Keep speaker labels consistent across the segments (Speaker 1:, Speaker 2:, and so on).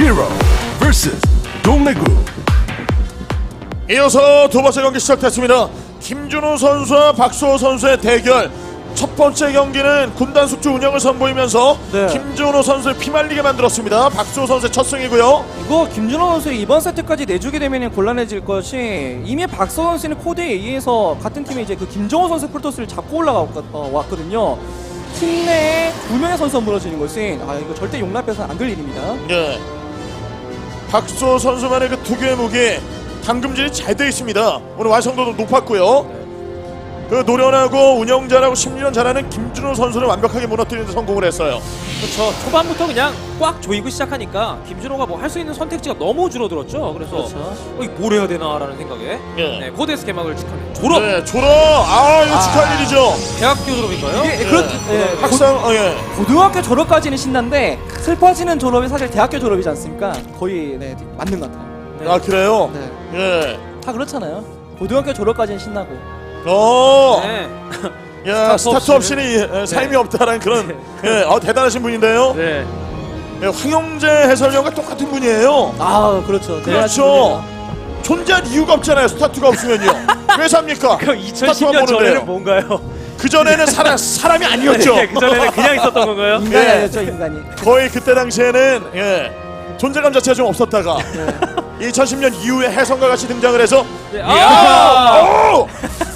Speaker 1: 히어로 vs 동래구.
Speaker 2: 이어서 두 번째 경기 시작됐습니다. 김준호 선수와 박수호 선수의 대결. 첫 번째 경기는 군단 숙주 운영을 선보이면서
Speaker 3: 네.
Speaker 2: 김준호 선수를 피말리게 만들었습니다. 박수호 선수의 첫 승이고요.
Speaker 3: 이거 김준호 선수 이번 세트까지 내주게 되면 곤란해질 것이 이미 박서 선수는 코드에 의해서 같은 팀에 이제 그 김정호 선수 프로토스를 잡고 올라왔거든요. 팀 내에 두 명의 선수가 무너지는 것은 이거 절대 용납해서는 안 될 일입니다.
Speaker 2: 네. 박수호 선수만의 그 특유의 무기 당금질이 잘 돼 있습니다. 오늘 완성도도 높았고요. 그 노련하고 운영 잘하고 심리전 잘하는 김준호 선수를 완벽하게 무너뜨리는 데 성공을 했어요.
Speaker 4: 그렇죠. 초반부터 그냥 꽉 조이고 시작하니까 김준호가 뭐 할 수 있는 선택지가 너무 줄어들었죠. 그래서
Speaker 3: 그렇죠.
Speaker 4: 이거 뭘 해야 되나라는 생각에
Speaker 2: 예.
Speaker 4: 네, 코데스 개막을 축하합니다. 졸업!
Speaker 2: 네, 졸업. 이거 축하할 일이죠.
Speaker 4: 대학교 졸업인가요?
Speaker 3: 이게
Speaker 2: 예. 학상, 예.
Speaker 3: 고등학교 졸업까지는 신난데 슬퍼지는 졸업이 사실 대학교 졸업이지 않습니까? 거의 맞는 것 같아요.
Speaker 4: 네.
Speaker 2: 아, 그래요?
Speaker 3: 네.
Speaker 2: 예.
Speaker 3: 다 그렇잖아요. 고등학교 졸업까지는 신나고.
Speaker 4: 네.
Speaker 2: 야,
Speaker 4: 스타트
Speaker 2: 스타트 없이는 삶이 없다라는 그런 대단하신 분인데요.
Speaker 4: 네.
Speaker 2: 예, 황영재 해설위원과 똑같은 분이에요.
Speaker 3: 그렇죠.
Speaker 2: 그렇죠. 존재할 이유가 없잖아요. 스타트가 없으면요. 왜 삽니까?
Speaker 4: 그럼
Speaker 2: 스타트만
Speaker 4: 2010년 전에는
Speaker 2: 보는데요.
Speaker 4: 뭔가요?
Speaker 2: 그 전에는 사람이 아니었죠.
Speaker 4: 네, 그 전에는 그냥 있었던 건가요?
Speaker 3: 인간이
Speaker 2: 예.
Speaker 3: 아니었죠, 인간이.
Speaker 2: 거의 그때 당시에는 존재감 자체가 좀 없었다가 2010년 이후에 혜성과 같이 등장을 해서
Speaker 4: 네.
Speaker 2: 오!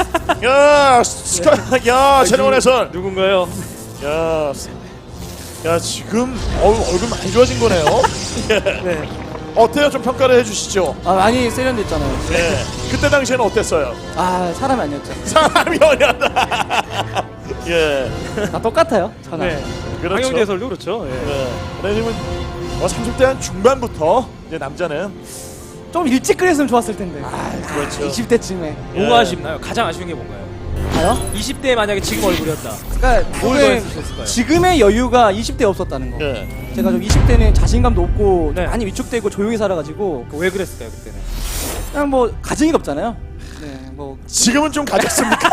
Speaker 2: 야, 최정원 해설.
Speaker 4: 누군가요?
Speaker 2: 야, 지금 얼굴 많이 좋아진 거네요. 예.
Speaker 3: 네.
Speaker 2: 어때요? 좀 평가를 해주시죠.
Speaker 3: 많이 세련됐잖아요.
Speaker 2: 예. 그때 당시에는 어땠어요?
Speaker 3: 사람이 아니었죠.
Speaker 2: 사람이 어렸다. 예.
Speaker 3: 다 똑같아요. 저는.
Speaker 4: 네.
Speaker 2: 그렇죠.
Speaker 4: 황영재 해설도 그렇죠. 예.
Speaker 2: 네. 왜냐면 30대 한 중반부터 이제 남자는
Speaker 3: 좀 일찍 그랬으면 좋았을 텐데.
Speaker 2: 그렇죠.
Speaker 3: 20대쯤에.
Speaker 4: 뭐가 아쉽나요? 가장 아쉬운 게 뭔가요?
Speaker 3: 가요?
Speaker 4: 20대에 만약에 지금 얼굴이었다.
Speaker 3: 그러니까
Speaker 4: 뭘
Speaker 3: 조금
Speaker 4: 더했을까요?
Speaker 3: 지금의 여유가 20대에 없었다는 거.
Speaker 2: 예.
Speaker 3: 제가 좀 20대는 자신감도 없고
Speaker 4: 네.
Speaker 3: 많이 위축되고 조용히 살아가지고
Speaker 4: 왜 그랬을까요 그때는?
Speaker 3: 그냥 뭐 가정이 없잖아요. 네, 뭐
Speaker 2: 지금은 좀 가졌습니까?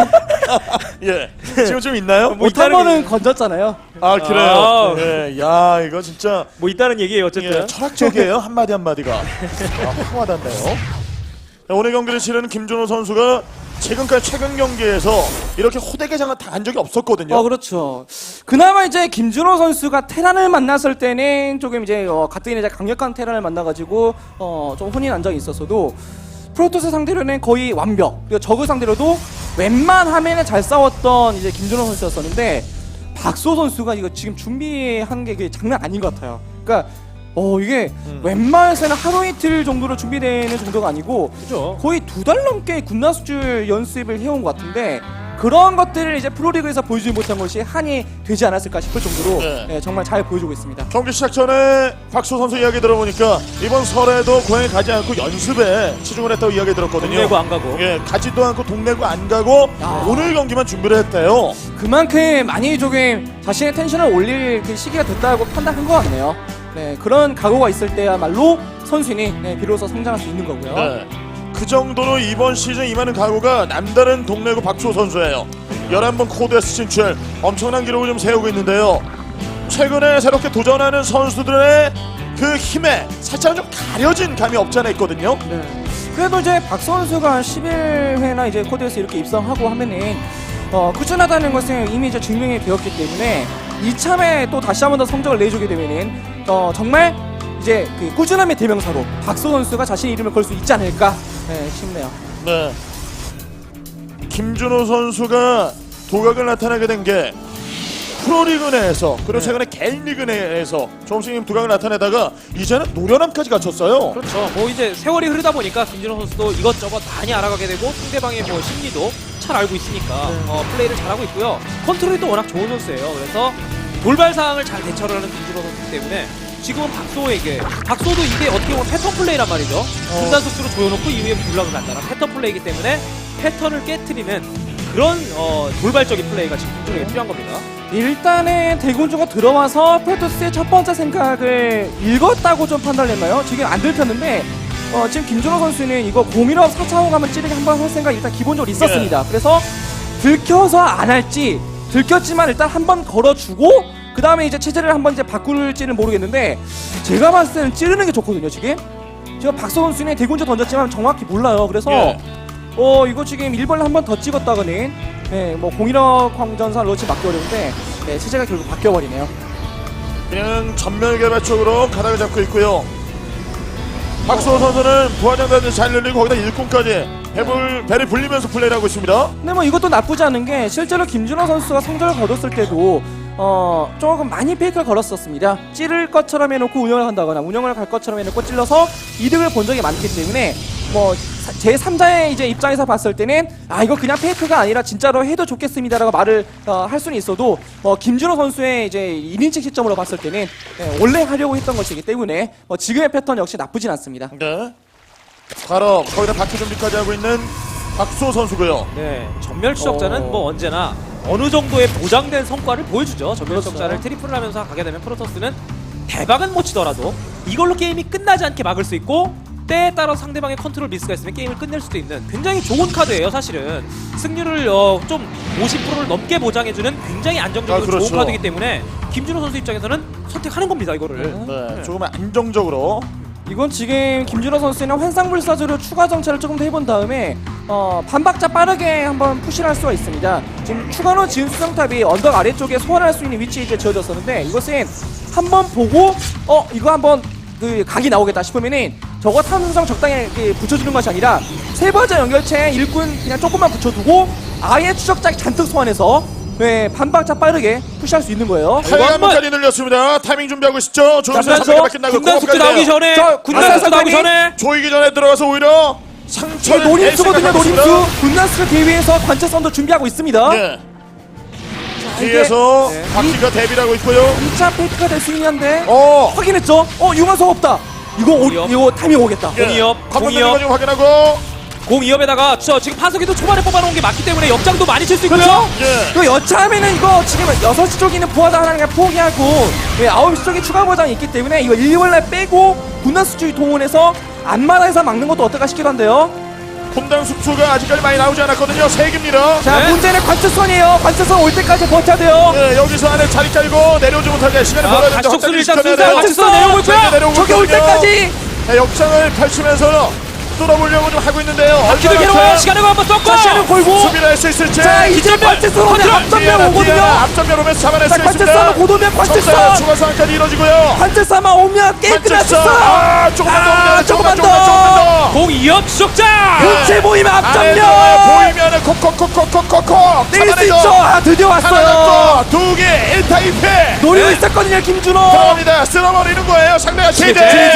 Speaker 2: 예. 지금 좀 있나요?
Speaker 4: 뭐
Speaker 3: 못한
Speaker 4: 있다는
Speaker 3: 거는 건졌잖아요.
Speaker 2: 아, 그래요.
Speaker 4: 아.
Speaker 2: 예. 야, 이거 진짜
Speaker 4: 뭐 있다는 얘기예요 어쨌든.
Speaker 2: 철학적이에요. 한마디 한마디가. 확 와닿네요. 오늘 경기를 치르는 김준호 선수가 지금까지 최근 경기에서 이렇게 호되게 당한 적이 없었거든요.
Speaker 3: 그렇죠. 그나마 이제 김준호 선수가 테란을 만났을 때는 조금 이제 가뜩이나 이제 강력한 테란을 만나가지고 좀 혼인 안정이 있었어도 프로토스 상대로는 거의 완벽. 그리고 저그 상대로도 웬만하면 잘 싸웠던 이제 김준호 선수였었는데 박소 선수가 이거 지금 준비한 게 장난 아닌 것 같아요. 그러니까 이게 웬만해서는 하루 이틀 정도로 준비되는 정도가 아니고
Speaker 4: 그죠.
Speaker 3: 거의 2달 넘게 군나수줄 연습을 해온 것 같은데 그런 것들을 이제 프로리그에서 보여주지 못한 것이 한이 되지 않았을까 싶을 정도로
Speaker 2: 네.
Speaker 3: 정말 잘 보여주고 있습니다.
Speaker 2: 경기 시작 전에 박수 선수 이야기 들어보니까 이번 설에도 고향에 가지 않고 연습에 치중을 했다고 이야기 들었거든요.
Speaker 4: 동네고 안 가고.
Speaker 2: 예, 가지도 않고 동네고 안 가고 오늘 경기만 준비를 했대요.
Speaker 3: 그만큼 많이 조금 자신의 텐션을 올릴 그 시기가 됐다고 판단한 것 같네요. 네, 그런 각오가 있을 때야말로 선수는 비로소 성장할 수 있는 거고요.
Speaker 2: 네. 그 정도로 이번 시즌 임하는 각오가 남다른 동네고 박수호 선수예요. 11번 코드에스 진출 엄청난 기록을 좀 세우고 있는데요. 최근에 새롭게 도전하는 선수들의 그 힘에 살짝 좀 가려진 감이 없지 않아 있거든요.
Speaker 3: 네. 그래도 이제 박 선수가 11회나 이제 코드에서 이렇게 입성하고 하면은 꾸준하다는 것을 이미 이제 증명이 되었기 때문에 이참에 또 다시 한 번 더 성적을 내주게 되면은 정말 이제 그 꾸준함의 대명사로 박소 선수가 자신의 이름을 걸 수 있지 않을까 싶네요.
Speaker 2: 네. 김준호 선수가 도각을 나타내게 된 게 프로리그 내에서 그리고 최근에 개인 리그 내에서 조금씩 두각을 나타내다가 이제는 노련함까지 갖췄어요.
Speaker 4: 그렇죠. 뭐 이제 세월이 흐르다 보니까 김준호 선수도 이것저것 많이 알아가게 되고 상대방의 뭐 심리도 잘 알고 있으니까 플레이를 잘하고 있고요. 컨트롤도 워낙 좋은 선수예요. 그래서 돌발 상황을 잘 대처를 하는 김준호 선수 때문에 지금은 박소도 이게 어떻게 보면 패턴 플레이란 말이죠. 분단 속도로 조여놓고 이후에 블락을 간다는 패턴 플레이이기 때문에 패턴을 깨트리는 그런 돌발적인 플레이가 지금 김준호에게 필요한 겁니다.
Speaker 3: 일단은 대군주가 들어와서 프로토스의 첫 번째 생각을 읽었다고 좀 판단했나요? 지금 안 들켰는데 지금 김준호 선수는 이거 015 4차원 가면 찌르기 한번 할 생각이 일단 기본적으로 있었습니다. 그래서 들켜서 안 할지 들켰지만 일단 한번 걸어주고 그 다음에 이제 체제를 한번 이제 바꿀지는 모르겠는데 제가 봤을 때는 찌르는 게 좋거든요. 지금 박서 선수는 대군주 던졌지만 정확히 몰라요. 그래서
Speaker 2: 예.
Speaker 3: 이거 지금 1번을 한 번 더 찍었다가는 뭐 공인력 광전사 러치 맞기 어려운데 체제가 결국 바뀌어버리네요.
Speaker 2: 그냥 전멸 개발 쪽으로 가닥을 잡고 있고요. 박수호 선수는 부하장단을 잘 늘리고 거기다 일꾼까지 배를 불리면서 플레이를 하고 있습니다.
Speaker 3: 근데 뭐 이것도 나쁘지 않은 게 실제로 김준호 선수가 성적을 거뒀을 때도 조금 많이 페이크를 걸었었습니다. 찌를 것처럼 해놓고 운영을 한다거나 운영을 갈 것처럼 해놓고 찔러서 이득을 본 적이 많기 때문에 뭐 제 3자의 이제 입장에서 봤을 때는 이거 그냥 페이크가 아니라 진짜로 해도 좋겠습니다라고 말을 할 수는 있어도 김준호 선수의 이제 1인칭 시점으로 봤을 때는 원래 하려고 했던 것이기 때문에 지금의 패턴 역시 나쁘진 않습니다.
Speaker 2: 네. 바로 거기다 바퀴 준비까지 하고 있는 박수호 선수고요.
Speaker 4: 네, 전멸 추적자는 뭐 언제나 어느 정도의 보장된 성과를 보여주죠. 전멸 추적자를 트리플을 하면서 가게 되면 프로토스는 대박은 못 치더라도 이걸로 게임이 끝나지 않게 막을 수 있고 때에 따라 상대방의 컨트롤 미스가 있으면 게임을 끝낼 수도 있는 굉장히 좋은 카드예요. 사실은 승률을 좀 50%를 넘게 보장해주는 굉장히 안정적이고
Speaker 2: 그렇죠.
Speaker 4: 좋은 카드이기 때문에 김준호 선수 입장에서는 선택하는 겁니다. 이거를.
Speaker 2: 네. 조금 안정적으로.
Speaker 3: 이건 지금 김준호 선수는 환상불사조로 추가 정찰을 조금 더 해본 다음에 반박자 빠르게 한번 푸시를 할 수가 있습니다. 지금 추가로 지은 수정탑이 언덕 아래쪽에 소환할 수 있는 위치에 이제 지어졌었는데 이것은 한번 보고 이거 한번 그 각이 나오겠다 싶으면은 저거 탐수정 적당히 붙여주는 것이 아니라 세 번째 연결체에 일꾼 그냥 조금만 붙여두고 아예 추적자 잔뜩 소환해서 반박자 빠르게 푸시할 수 있는 거예요.
Speaker 2: 하이감까지 늘렸습니다. 타이밍 준비하고 있죠. 조금만
Speaker 3: 그래서
Speaker 2: 300개 끝나고
Speaker 4: 군단 숙제 나오기 전에 군단 숙제 나오기 전에
Speaker 2: 조이기 전에 들어가서 오히려 상처를
Speaker 3: 노림수거든요. 노림수 군단수가 대회에서 관측선도 준비하고 있습니다.
Speaker 2: 네. 뒤에서
Speaker 3: 네.
Speaker 2: 바퀴가 대비를 하고 있고요.
Speaker 3: 2차 페이크가 될 수 있긴 한데
Speaker 2: 확인했죠.
Speaker 3: 융화석 없다. 이거 타이밍 오겠다.
Speaker 4: 공이업,
Speaker 2: 관문들과 좀 확인하고.
Speaker 4: 공이업에다가 지금 파석이도 초반에 뽑아놓은 게 맞기 때문에 역장도 많이 칠 수 있고요.
Speaker 3: 그렇죠?
Speaker 2: 예.
Speaker 3: 이거 여차하면은 이거 지금 6시 쪽에 있는 부하장 하나 그냥 포기하고 9시 쪽에 추가 보장이 있기 때문에 이거 1월날 빼고 군단수 쪽이 동원해서 안마다에서 막는 것도 어떨까 싶기도 한데요.
Speaker 2: 분당 숙소가 아직까지 많이 나오지 않았거든요. 3개입니다.
Speaker 3: 자,
Speaker 4: 네.
Speaker 3: 문제는 관측선이에요. 관측선 올 때까지 버텨야 돼요.
Speaker 2: 네, 여기서 안에 자리 깔고 내려오지 못하게 시간을 벌어야 되는데
Speaker 4: 가시적수를 일단
Speaker 2: 확장을
Speaker 4: 순서
Speaker 2: 시켜내야
Speaker 4: 관측선 내려오고 있고요.
Speaker 2: 내려오고
Speaker 3: 저게 올
Speaker 2: 있거든요.
Speaker 3: 때까지
Speaker 2: 네, 역장을 펼치면서 뚫어보려고 좀 하고 있는데요.
Speaker 4: 바퀴도 괴로워요. 시간을 한번 썼고
Speaker 3: 다시는 걸고
Speaker 2: 수비를 할 수 있을지.
Speaker 3: 자, 이제
Speaker 4: 뒷전면,
Speaker 3: 관측선 오면
Speaker 4: 컨트롤,
Speaker 3: 앞전면 오거든요.
Speaker 2: 앞전면 오면서 잡아낼
Speaker 3: 자,
Speaker 2: 수
Speaker 3: 관측선
Speaker 2: 있습니다.
Speaker 3: 곧 오면 관측선.
Speaker 2: 자, 추가 상황까지 이루어지고요.
Speaker 3: 관측선만 오면 게임 끝날 수 있어.
Speaker 2: 조금만 더 오면
Speaker 3: 조금만
Speaker 2: 조금만 더.
Speaker 4: 공이업 추적자.
Speaker 3: 교체 보이면
Speaker 2: 안에
Speaker 3: 앞전면
Speaker 2: 보이면은 콕콕콕콕콕콕
Speaker 3: 낼 수 있죠. 드디어 왔어요.
Speaker 2: 하나 잡고 2개 1타 2패
Speaker 3: 노리고 있었거든요, 김준호.
Speaker 2: 들어갑니다. 쓸어버리는 거예요. 상대가 제재.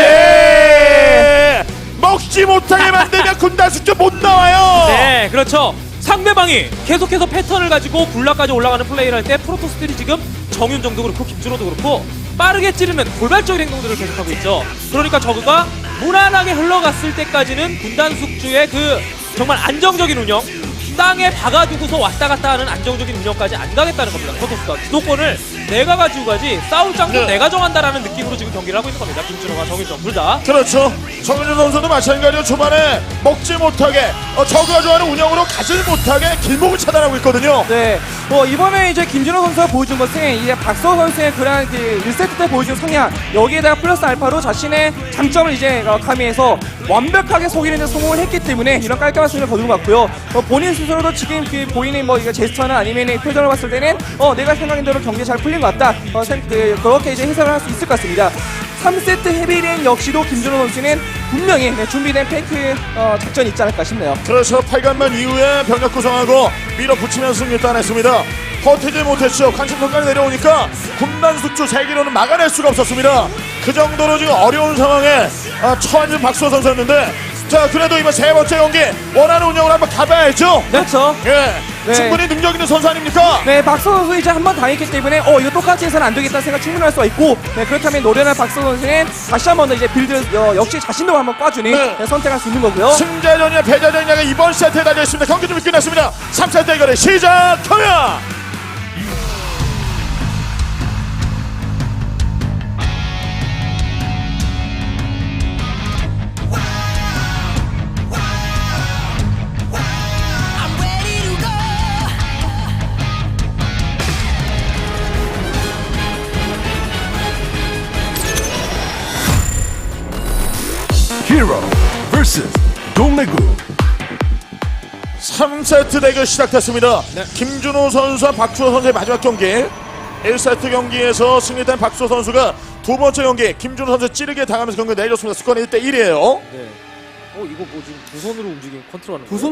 Speaker 2: 먹지 못하게 만들면 군단 숙제 못 나와요.
Speaker 4: 네, 그렇죠. 상대방이 계속해서 패턴을 가지고 불락까지 올라가는 플레이를 할 때 프로토스들이 지금 정윤정도 그렇고 김준호도 그렇고 빠르게 찌르는 돌발적인 행동들을 계속하고 있죠. 그러니까 저그가 무난하게 흘러갔을 때까지는 군단 숙주의 그 정말 안정적인 운영, 땅에 박아두고서 왔다 갔다 하는 안정적인 운영까지 안 가겠다는 겁니다. 프로토스가 주도권을 내가 가지고 가지, 싸울 장소
Speaker 2: 네.
Speaker 4: 내가 정한다라는 느낌으로 지금 경기를 하고 있는 겁니다. 김준호와 정윤정 둘 다.
Speaker 2: 그렇죠. 정윤준 선수도 마찬가지로 초반에 먹지 못하게 저그가 좋아하는 운영으로 가지 못하게 길목을 차단하고 있거든요.
Speaker 3: 네, 이번에 이제 김준호 선수가 보여준 것은 이제 박서 선수의 그런 그 1세트 때 보여준 성향, 여기에다가 플러스 알파로 자신의 장점을 이제 가미해서 완벽하게 속이는 데 성공을 했기 때문에 이런 깔끔한 승리를 거둔 것 같고요. 본인 스스로도 지금 그 보이는 이거 제스처나 아니면 표정을 봤을 때는 내가 생각한 대로 경기 잘 풀린 것 같다. 그렇게 이제 해석을 할 수 있을 것 같습니다. 3세트 헤비린 역시도 김준호 선수는 분명히 준비된 페이크 작전이 있지 않을까 싶네요.
Speaker 2: 그래서 8강만 이후에 병력 구성하고 밀어붙이면서 승리 따냈습니다. 버티지 못했죠. 관심선까지 내려오니까 군단 숙주 3기로는 막아낼 수가 없었습니다. 그 정도로 지금 어려운 상황에 처한 박수호 선수였는데, 자, 그래도 이번 세 번째 경기 원하는 운영을 한번 가봐야죠.
Speaker 3: 그렇죠.
Speaker 2: 예,
Speaker 3: 네.
Speaker 2: 충분히 능력 있는 선수 아닙니까?
Speaker 3: 네, 박서 선수 이제 한 번 당했기 때문에 이거 똑같이 해서는 안 되겠다 생각 충분히 할 수가 있고, 그렇다면 노련한 박서 선수는 다시 한 번 더 이제 빌드 역시 자신도 한번 꽈주니
Speaker 2: 네.
Speaker 3: 선택할 수 있는 거고요.
Speaker 2: 승자전이냐 패자전이냐가 이번 세트에 달려있습니다. 경기 준비 끝났습니다. 3세트 대결의 시작합니다.
Speaker 1: vs 동래구.
Speaker 2: 3세트 대결 시작됐습니다.
Speaker 4: 네.
Speaker 2: 김준호 선수와 박주호 선수의 마지막 경기. 1세트 경기에서 승리한 박주호 선수가 두 번째 경기 김준호 선수 찌르게 당하면서 경기 내줬습니다. 스코어는 1대1이에요.
Speaker 4: 네. 이거 뭐 지금 두 손으로 움직이는 컨트롤하는
Speaker 3: 두
Speaker 4: 거예요?
Speaker 3: 손